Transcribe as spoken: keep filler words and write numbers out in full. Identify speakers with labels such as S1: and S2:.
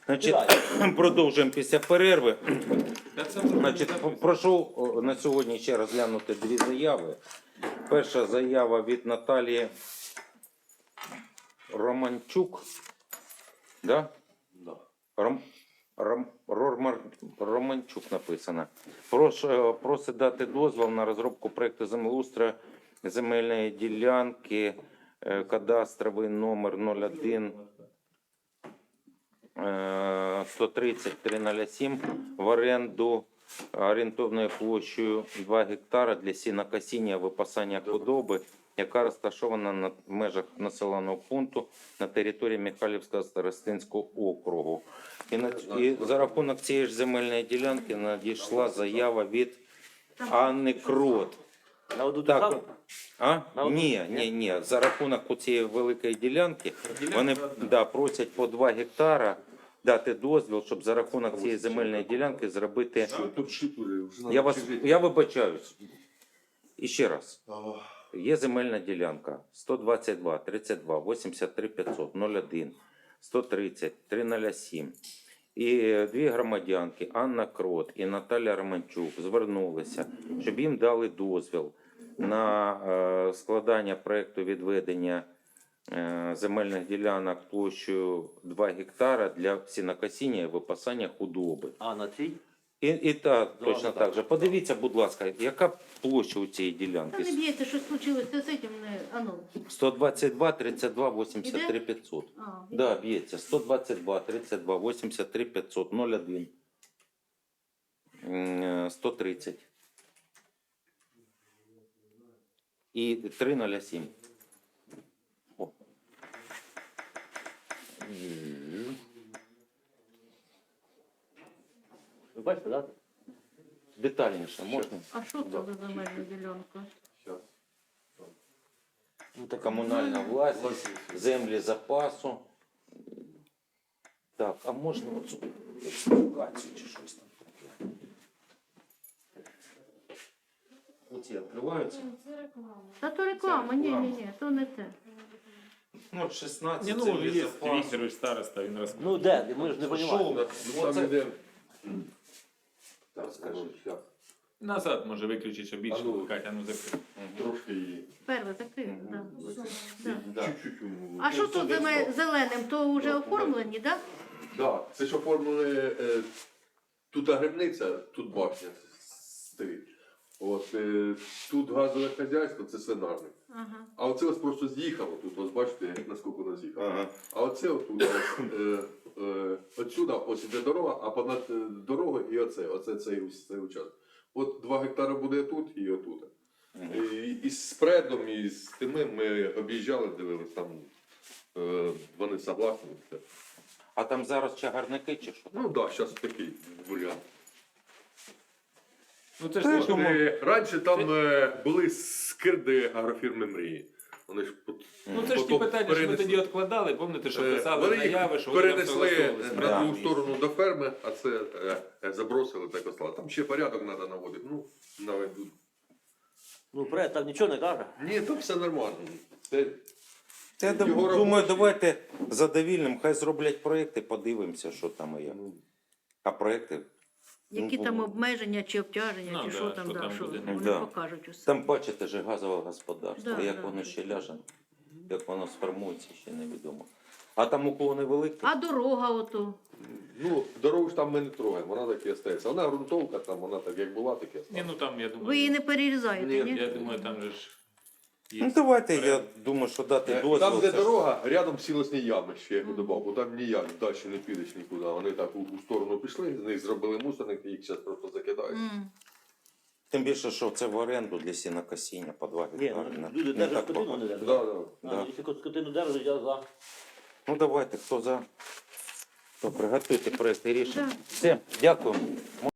S1: Значить, продовжуємо після перерви. Значить, прошу о, на сьогодні ще розглянути дві заяви. Перша заява від Наталії Романчук. Да?
S2: Да.
S1: Ром, Ром, Рормар, Романчук написано. Прошу, просить дати дозвіл на розробку проєкту землеустрою земельної ділянки, е, кадастровий номер нуль один сто тридцять три нуль сім в оренду орієнтовною площею два гектара для сінокосіння випасання худоби, яка розташована на межах населеного пункту на території Михайлівського старостинського округу. І, на, і за рахунок цієї ж земельної ділянки надійшла заява від Анни Крот.
S2: На одну
S1: Так,
S2: державу?
S1: а?
S2: На одну?
S1: Ні, ні, ні. За рахунок цієї великої ділянки вони да, просять по два гектара дати дозвіл, щоб за рахунок цієї земельної ділянки зробити.
S3: Тут шипури, вже
S1: Я вас
S3: надо
S1: я вибачаюсь. І ще раз.
S3: Ах,
S1: Є земельна ділянка сто двадцять два тридцять два вісімдесят три п'ятсот нуль один сто тридцять три нуль сім. І дві громадянки Анна Крот і Наталя Романчук звернулися, щоб їм дали дозвіл на е, складання проєкту відведення е, земельних ділянок площею два гектара для сінокосіння і випасання худоби.
S2: А на цій?
S1: І, і так,
S2: Два
S1: точно
S2: гектара.
S1: так же. Подивіться, будь ласка, яка площа у цієї
S4: Та
S1: ділянки?
S4: не б'ється, що случилось з цим, не, а ну.
S1: сто двадцять два тридцять два вісімдесят три п'ятсот.
S4: А,
S1: Да, б'ється. сто двадцять два тридцять два вісімдесят три п'ятсот нуль один М, сто тридцять. І три нуль сім. О.
S2: Ви бачите, так?
S1: Детальніше можна?
S4: а що це за земельна ділянка?
S3: щас.
S1: Ну, це комунальна власність, землі запасу. Так, а можна оцю експлікацію чи щось там таке? Оці відкриваються?
S4: Та то реклама, ні, ні, ні, то не те.
S1: Ну, шістнадцять
S5: Ні, ну,
S1: землі
S5: є
S1: запасу.
S5: Вікторович староста, він розказує.
S2: Ну де? Ми ж не
S1: Що
S2: розуміємо.
S1: ви?
S3: Ну, там
S1: Оце-
S3: іде.
S1: Так, скажи.
S3: щас.
S5: Назад може виключити, щоб більше
S3: А ну.
S5: вмикати, а ну закрити.
S3: Трошки її.
S4: Перше закрив, да. Да.
S1: Да.
S3: Чуть-чуть. йому.
S4: А що тут земе- зеленим, то вже оформлені, так?
S3: Да, це ж оформили, е, тут грибниця, тут башня стоїть. От, е, тут газове хазяйство, це свинарник.
S4: Ага.
S3: А оце ось просто з'їхало тут, ось бачите, наскільки воно з'їхало.
S1: Ага.
S3: А оце отут, ось, е, е, отсюда ось іде дорога, а понад е, дорогою і оце, оце цей, ус- цей участок. От два гектари буде тут і отут. І, і з спредом, і з тими ми об'їжджали, дивились, там е, вони согласні.
S1: А там зараз чагарники чи що?
S3: Ну так, да, зараз такий варіант.
S5: Ну це ж
S1: Та,
S5: те, що
S1: думаю,
S5: ми-
S3: Е, Раніше там е, були скирди агрофірми мрії. Вони ж пот-
S5: Ну це ж ті
S3: потім
S5: питання, що ми
S3: перенесли.
S5: тоді відкладали, пам'ятаєте, що
S3: Е,
S5: писали
S3: Вони їх
S5: заяви, що вони там
S3: перенесли
S5: согласовувалися.
S3: на
S1: Да.
S3: другу сторону до ферми, а це е, е, забросили так ослали. Там ще порядок треба наводити. Ну, наведуть.
S2: Ну, проект там нічого не каже.
S3: Ні, там все нормально. Це,
S1: Я
S3: Його
S1: думаю,
S3: робочі.
S1: давайте задовільним, хай зроблять проєкти, подивимося, що там і як. А проєкти,
S4: Які
S1: Ну,
S4: там
S1: було.
S4: обмеження чи обтяження,
S5: Ну,
S4: чи
S5: да,
S4: що там,
S5: що
S4: да,
S5: там
S4: що
S5: буде.
S4: вони
S1: Да.
S4: покажуть усе.
S1: там бачите же газове господарство,
S4: Да,
S1: як
S4: да.
S1: воно ще ляже, як воно сформується, ще невідомо. А там уклони великі?
S4: А дорога ото.
S3: ну, дорогу ж там ми не трогаємо, вона так і остається. Вона ґрунтовка, там вона так як була, так і
S5: Ні,
S3: осталась.
S5: ну там, я думаю,
S4: Ви її не перерізаєте,
S3: Ні,
S4: ні?
S5: я думаю, там же ж
S1: Ну давайте, я думаю, що дати
S3: Е,
S1: дозвіл.
S3: Там, де
S1: це ж-
S3: дорога, рядом сілосні ями ще я додав, бо там ніяк далі не підеш нікуди. Вони так у, у сторону пішли, з них зробили мусорник, їх зараз просто закидають.
S4: М.
S1: Тим більше, що це в оренду для сінокосіння по два
S2: Ні,
S1: гектари.
S2: ну,
S1: Не-
S2: люди
S1: не
S2: держать
S1: так
S2: скотину,
S1: багато.
S2: не держать.
S3: Да, да.
S2: А,
S1: Да.
S2: якщо скотину держать, я за.
S1: Ну давайте, хто за? Добре, готуйте проєкти рішення.
S4: Да.
S1: Все, дякую.